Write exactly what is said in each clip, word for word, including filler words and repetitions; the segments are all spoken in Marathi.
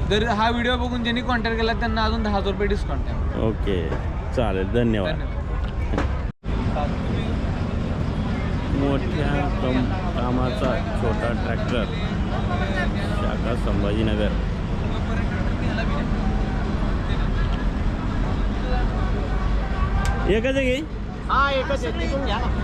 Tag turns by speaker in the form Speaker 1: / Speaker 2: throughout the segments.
Speaker 1: जर हा व्हिडिओ बघून ज्यांनी कॉन्टॅक्ट केला त्यांना अजून दहा हजार रुपये डिस्काउंट आहे.
Speaker 2: ओके चालेल, धन्यवाद. मोठ्या कम कामाचा छोटा ट्रॅक्टर, शाखा संभाजीनगर. एकच आहे की?
Speaker 3: हा एकच आहे, तिथून घ्या ना.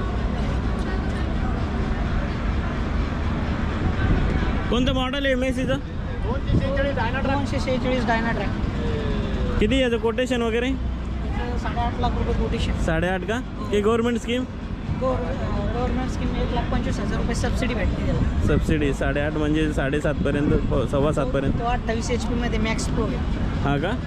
Speaker 2: कोणतं मॉडेल आहे मेसीचं?
Speaker 3: दोनशे शेहेचाळीस डायनाट्रॅक. दोनशे शेहेचाळीस डायनाट्रॅक.
Speaker 2: किती याचं कोटेशन वगैरे?
Speaker 3: साडेआठ लाख रुपये कोटेशन.
Speaker 2: साडेआठ का? की गव्हर्नमेंट स्कीम?
Speaker 3: गव्हर्नमेंट स्कीम एक लाख पंचवीस हजार रुपये सबसिडी भेटते त्याला.
Speaker 2: सबसिडी साडेआठ म्हणजे साडेसातपर्यंत, सव्वा सातपर्यंत.
Speaker 3: तो अठ्ठावीस एच पीमध्ये मॅक्स प्रो आहे.
Speaker 2: हा का?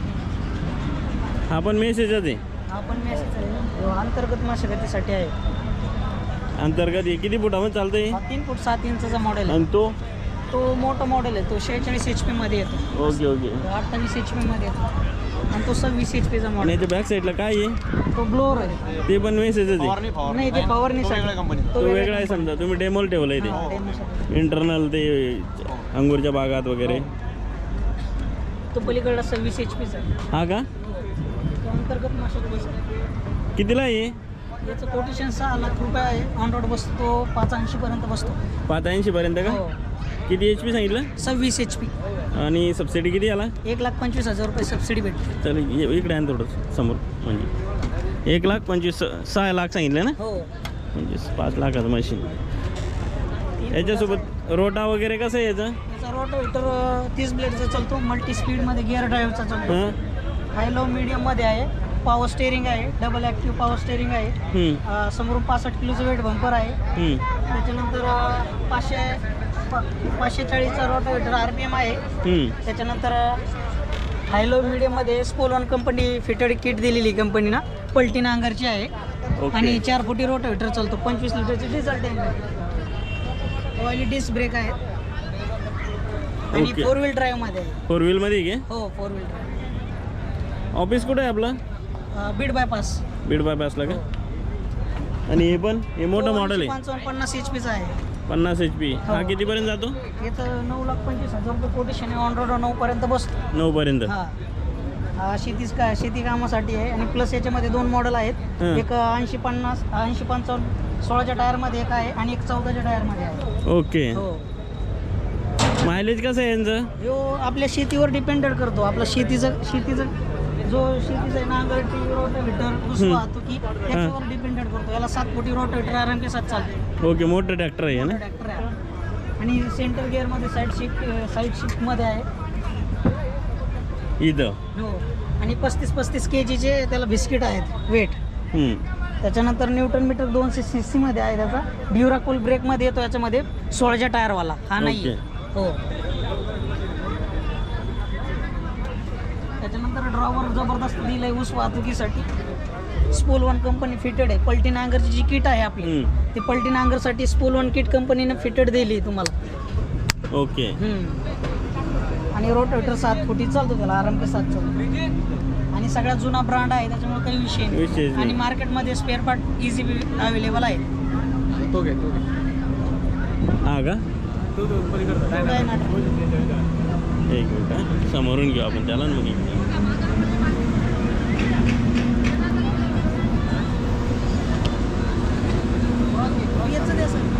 Speaker 2: हा पण मेसेजच आहे.
Speaker 3: हा पण मॅक्स अंतर्गत मशागतीसाठी आहे.
Speaker 2: अंतर्गत हे किती फुटामध्ये चालतंय?
Speaker 3: हा तीन फूट सात इंचाचा मॉडेल आहे.
Speaker 2: आणि तो
Speaker 3: तो मोठा मॉडेल आहे, तो शेहेचाळीस एच पीमध्ये येतो.
Speaker 2: Okay okay.
Speaker 3: अठ्ठावीस एच पीमध्ये येतो आणि तो सव्वीस एच पीचा
Speaker 2: आणि
Speaker 3: मॉडेल.
Speaker 2: याच्या बॅक साईडला काय आहे?
Speaker 3: तो ब्लोअर आहे.
Speaker 2: ते पण मेसेजच आहे.
Speaker 3: नाही ते फवारणीसाठी कंपनी.
Speaker 2: तो वेगळा आहे समजा, तुम्ही डेमोल ठेवलं आहे ते इंटरनल, ते अंगूरच्या बागात वगैरे.
Speaker 3: तो पलीकडला सव्वीस एच पीचा आहे.
Speaker 2: हा का?
Speaker 3: तो अंतर्गत मशागतीचा.
Speaker 2: कितीला आहे?
Speaker 3: याचं कोटेशन सहा लाख रुपये आहे. ऑन रोड बसतो तो पाच ऐंशी पर्यंत बसतो.
Speaker 2: पाच ऐंशी पर्यंत का?
Speaker 3: हो.
Speaker 2: किती एच पी सांगितलं?
Speaker 3: सव्वीस एच पी.
Speaker 2: आणि सबसिडी किती आला?
Speaker 3: एक लाख पंचवीस हजार रुपये सबसिडी भेटते.
Speaker 2: चल ये- इकडे आहे थोडं समोर. म्हणजे एक लाख पंचवीस, सहा लाख सांगितलं ना?
Speaker 3: हो.
Speaker 2: म्हणजे पाच लाखाचं मशीन. याच्यासोबत रोटा वगैरे कसं आहे याचं?
Speaker 3: याचा रोटावेटर तीस ब्लेडचा चालतो. मल्टी स्पीडमध्ये गिअर ड्राईव्हचा चालतो.
Speaker 2: हां.
Speaker 3: हाय लो मीडियममध्ये आहे. पॉवर स्टेअरिंग आहे. डबल ॲक्टिव्ह पॉवर स्टेअरिंग आहे.
Speaker 2: हम्म,
Speaker 3: अं, समोरून पासष्ट किलोचं वेट बंपर आहे.
Speaker 2: हम्म,
Speaker 3: त्याच्यानंतर अं, पाचशे पा- पाचशे चाळीसचा रोटावेटर आर पी एम आहे.
Speaker 2: हम्म.
Speaker 3: त्याच्यानंतर हायलो मीडियममध्ये स्पोलॉन कंपनी फिटेड किट दिलेली कंपनीनं. पलटी नांगरची आहे.
Speaker 2: ओके.
Speaker 3: आणि चार फुटी रोटावेटर चालतो. पंचवीस लिटरची डिझेल टँक आहे. ऑइली डिस्क ब्रेक आहे. आणि
Speaker 2: ओके.
Speaker 3: फोर व्हील ड्राईव्हमध्ये आहे.
Speaker 2: फोर व्हीलमध्ये घे.
Speaker 3: हो फोर व्हील ड्राईव्ह.
Speaker 2: ऑफिस कुठं आहे आपलं?
Speaker 3: बीड बायपास.
Speaker 2: बीड बायपासला का? आणि हे पण हे मोठं मॉडेल आहे,
Speaker 3: पंचावन्न पन्नास एच पीचा आहे.
Speaker 2: पन्नास एच पी. हा कितीपर्यंत जातो?
Speaker 3: याचं नऊ लाख पंचवीस हजार रुपये कोटेशन आहे. ऑन रोड नऊ पर्यंत बसतो.
Speaker 2: नऊ पर्यंत.
Speaker 3: हा हा शेतीच का शेती कामासाठी आहे. आणि प्लस याच्यामध्ये दोन मॉडेल आहेत.
Speaker 2: हं.
Speaker 3: एक ऐंशी पन्नास ऐंशी पंचावन्न सोळाच्या टायरमध्ये एक आहे आणि एक चौदाच्या टायरमध्ये आहे.
Speaker 2: ओके.
Speaker 3: हो.
Speaker 2: मायलेज कसं आहे यांचं?
Speaker 3: ह्यो आपल्या शेतीवर डिपेंडेड करतो. आपलं शेतीचं शेतीचं जो शेतीचा नांगरटी रोटावेटर ऊस
Speaker 2: हं.
Speaker 3: वाहतुकी त्याच्यावर डिपेंडेड करतो. याला सात फुटी रोटावेटर आराम के साथ चालतो.
Speaker 2: ओके, मोठं ट्रॅक्टर आहे ना?
Speaker 3: ट्रॅक्टर आहे. आणि सेंटर गिअरमध्ये साईड शिफ्ट साईड शिफ्टमध्ये आहे.
Speaker 2: इथं.
Speaker 3: हो. आणि पस्तीस पस्तीस के जीचे त्याला बिस्किट आहेत वेट.
Speaker 2: हम्म.
Speaker 3: त्याच्यानंतर न्यूटन मीटर दोनशे सी सीमध्ये आहे त्याचा. ड्युराकूल ब्रेकमध्ये येतो याच्यामध्ये. सोळाच्या टायरवाला हा नाही.
Speaker 2: ओके.
Speaker 3: हो. त्याच्यानंतर ड्रॉवर जबरदस्त दिलं आहे ऊस वाहतुकीसाठी. स्पोल वन कंपनी फिटेड आहे. पलटी नांगरची जी किट आहे आपली
Speaker 2: हम्म.
Speaker 3: ती पलटी नांगरसाठी स्पोल वन किट कंपनीने फिटेड दिली तुम्हाला.
Speaker 2: ओके.
Speaker 3: हम्म. आणि रोटावेटर सात फुटी चालतो त्याला आराम के साथ चालतो. आणि सगळ्यात जुना ब्रँड आहे त्याच्यामुळे काही विषय
Speaker 2: विषयच
Speaker 3: नाही.
Speaker 2: नाही.
Speaker 3: आणि मार्केटमध्ये स्पेअर पार्ट इझी अवेलेबल आहे.
Speaker 1: तो घे तो घे.
Speaker 2: हा का?
Speaker 1: तो तो पलीकडचा
Speaker 3: तो काय नाटक.
Speaker 2: एक मिनिट हा. समोरून घेऊ आपण त्याला ना मग इकडे.
Speaker 3: याचं द्या सर.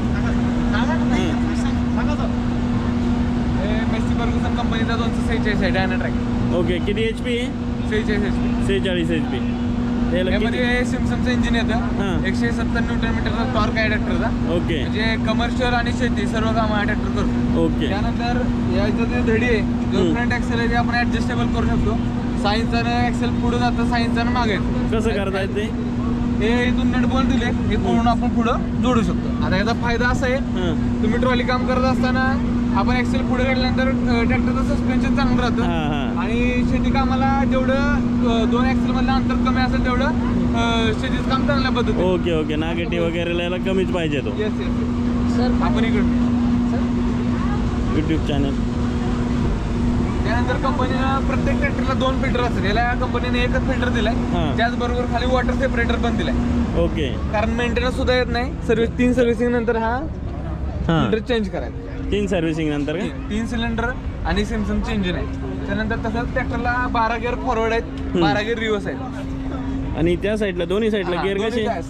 Speaker 1: हे मेसी फर्ग्युसन कंपनीचा दोनशे सेहेचाळीस आहे डायनाट्रॅक.
Speaker 2: ओके, किती एच पी आहे?
Speaker 1: सेहेचाळीस एच पी.
Speaker 2: सेहेचाळीस एच पी. त्याला किती?
Speaker 1: यामध्ये सिमसनचं इंजिन
Speaker 2: हां.
Speaker 1: येतं. एकशे सत्तर न्यूटन मीटरचा टॉर्क आहे ट्रॅक्टरचा.
Speaker 2: ओके.
Speaker 1: म्हणजे कमर्शियल आणि शेती सर्व कामं हा ट्रॅक्टर करतो.
Speaker 2: ओके.
Speaker 1: त्यानंतर याचं जे धडी आहे जो
Speaker 2: हम्म.
Speaker 1: फ्रंट ॲक्सेल आहे ते आपण ॲडजस्टेबल करू शकतो. सायन्सचं ॲक्सेल पुढं जातं, सायन्सचं मागे येतं.
Speaker 2: कसं करता येते?
Speaker 1: हे इथून नट बोल्ट दिले हे पूर्ण आपण पुढं जोडू शकतो. आता याचा फायदा असा आहे
Speaker 2: हां.
Speaker 1: तुम्ही ट्रॉली काम करत असताना आपण ॲक्सेल पुढे काढल्यानंतर ट्रॅक्टरचं सस्पेन्शन चांगलं राहतं.
Speaker 2: हां हां.
Speaker 1: आणि शेती कामाला जेवढं अ, दोन ॲक्सेल मधलं अंतर कमी असेल तेवढं अ, शेतीचं काम चांगल्या पद्धतीने.
Speaker 2: Okay okay. नागेटिव्ह वगैरे लिहायला कमीच पाहिजे तो.
Speaker 1: Yes yes.
Speaker 3: सर
Speaker 1: आपण इकडे
Speaker 2: यूट्यूब चॅनल.
Speaker 1: त्यानंतर कंपनीनं प्रत्येक ट्रॅक्टरला दोन फिल्टर असतात. याला या कंपनीने एकच फिल्टर दिलाय.
Speaker 2: हां.
Speaker 1: त्याचबरोबर खाली वॉटर सेपरेटर पण दिलाय.
Speaker 2: ओके.
Speaker 1: कारण मेंटेनन्स सुद्धा येत नाही. सर्व्हिस तीन सर्व्हिसिंग नंतर हा
Speaker 2: हां.
Speaker 1: फिल्टर चेंज करायचा.
Speaker 2: तीन सर्व्हिसिंग नंतर का?
Speaker 1: तीन सिलेंडर आणि सॅमसंगचे इंजिन आहे. त्यानंतर तसंच ट्रॅक्टरला बारा गिअर फॉरवर्ड आहेत, बारा गिअर रिव्हर्स आहेत.
Speaker 2: आणि त्या साईडला दोन्ही साईडला गिअर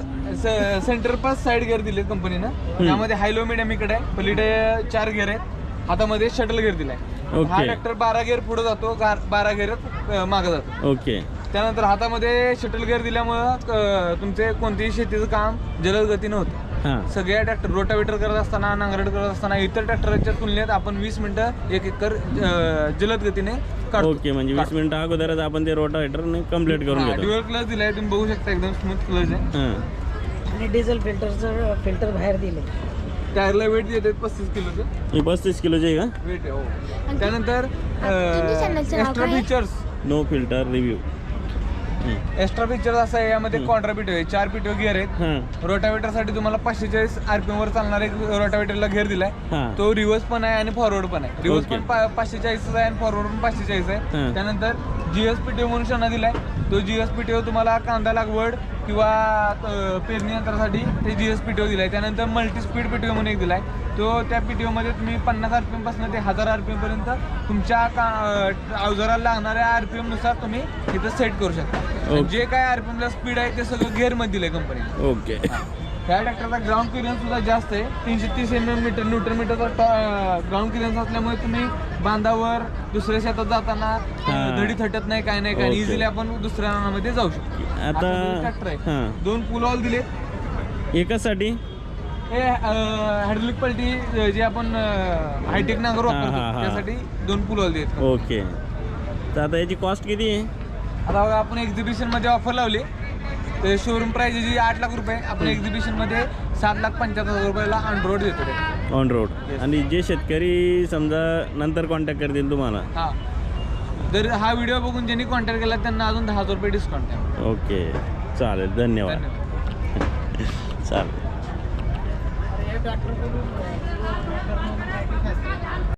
Speaker 2: कसे?
Speaker 1: सेंटर पास साईड गिअर दिले कंपनीनं. त्यामध्ये हाय लो मिडियम इकडे आहे, पलीकडे चार गिअर आहेत, हातामध्ये शटल गिअर दिलाय. हा ट्रॅक्टर बारा गिअर पुढे जातो, बारा गिअर मागे जातो.
Speaker 2: ओके.
Speaker 1: त्यानंतर हातामध्ये शटल गिअर दिल्यामुळं तुमचे कोणतेही शेतीचं काम जलद गतीनं होतं. सगळ्या ट्रॅक्टर रोटावेटर करत असताना, नांगरट करत असताना इतर ट्रॅक्टरच्या तुलनेत आपण वीस मिनिटं एक एकर जलद गतीने काढतो.
Speaker 2: ओके, म्हणजे वीस मिनिटं अगोदरच आपण ते रोटावेटर कम्प्लीट करून घेतो.
Speaker 1: ड्युअल क्लच दिलाय, तुम्ही बघू शकता, एकदम स्मूथ क्लच आहे.
Speaker 3: आणि डिझेल फिल्टरचं फिल्टर बाहेर दिले.
Speaker 1: टायरला वेट देतात पस्तीस किलोचं.
Speaker 2: ही पस्तीस किलोची आहे का?
Speaker 1: वेट आहे हो. त्यानंतर extra features,
Speaker 2: no filter review.
Speaker 1: Extra feature असं आहे, यामध्ये क्वाड्रा पिटो आहे, चार पिटो गिअर आहेत. रोटावेटर साठी तुम्हाला पाचशे चाळीस आरपीएम वर चालणारा एक रोटावेटरला गिअर दिलाय. तो रिव्हर्स पण आहे आणि फॉरवर्ड पण आहे. रिव्हर्स पण पाचशे चाळीस आहे आणि फॉरवर्ड पण पाचशे चाळीस आहे. त्यानंतर जीएस पीटीओ म्हणून शना दिलाय. तो जीएस पीटीओ तुम्हाला कांदा लागवड किंवा पेरणी यंत्रासाठी ते जीएस पीटीओ दिलाय. त्यानंतर मल्टी स्पीड पीटीओ म्हणून एक दिलाय. तो त्या पीटीओ मध्ये तुम्ही पन्नास आरपीएम पासून ते हजार आरपीएम पर्यंत तुमच्या अवजाराला लागणाऱ्या आरपीएम नुसार तुम्ही इथं सेट करू शकता. जे काय आरपीएम ला स्पीड आहे ते सगळं गिअर मध्ये दिलंय कंपनी.
Speaker 2: ओके.
Speaker 1: ह्या ट्रॅक्टरचा ग्राउंड क्लिअरन्स सुद्धा जास्त आहे, तीनशे तीस एम एम मीटर न्यूटन मीटरचा ग्राउंड क्लिअरन्स असल्यामुळे तुम्ही बांधावर दुसऱ्या शेतात जाताना धडी थटत नाही, काय नाही, काय इझिली आपण दुसऱ्या रानामध्ये जाऊ शकतो.
Speaker 2: आता
Speaker 1: ट्रॅक्टर आहे, दोन पुल ऑल दिलेत.
Speaker 2: एकासाठी
Speaker 1: हे हायड्रोलिक पलटी जे आपण हायटेक नांगर वापरतो त्यासाठी दोन पुल ऑल दिलेत.
Speaker 2: ओके. तर आता याची कॉस्ट किती आहे?
Speaker 1: आता बघा, आपण एक्झिबिशन मध्ये ऑफर लावली. ते शोरूम प्राइस जी आठ लाख रुपये, आपण एक्झिबिशन मध्ये सात लाख पंच्याहत्तर हजार रुपयाला ऑन रोड देतो.
Speaker 2: On road. आणि जे शेतकरी समजा नंतर कॉन्टॅक्ट करतील तुम्हाला,
Speaker 1: हा, जर हा व्हिडिओ बघून ज्यांनी कॉन्टॅक्ट केला त्यांना अजून दहा हजार रुपये डिस्काउंट आहे.
Speaker 2: ओके, चालेल. धन्यवाद. चालेल.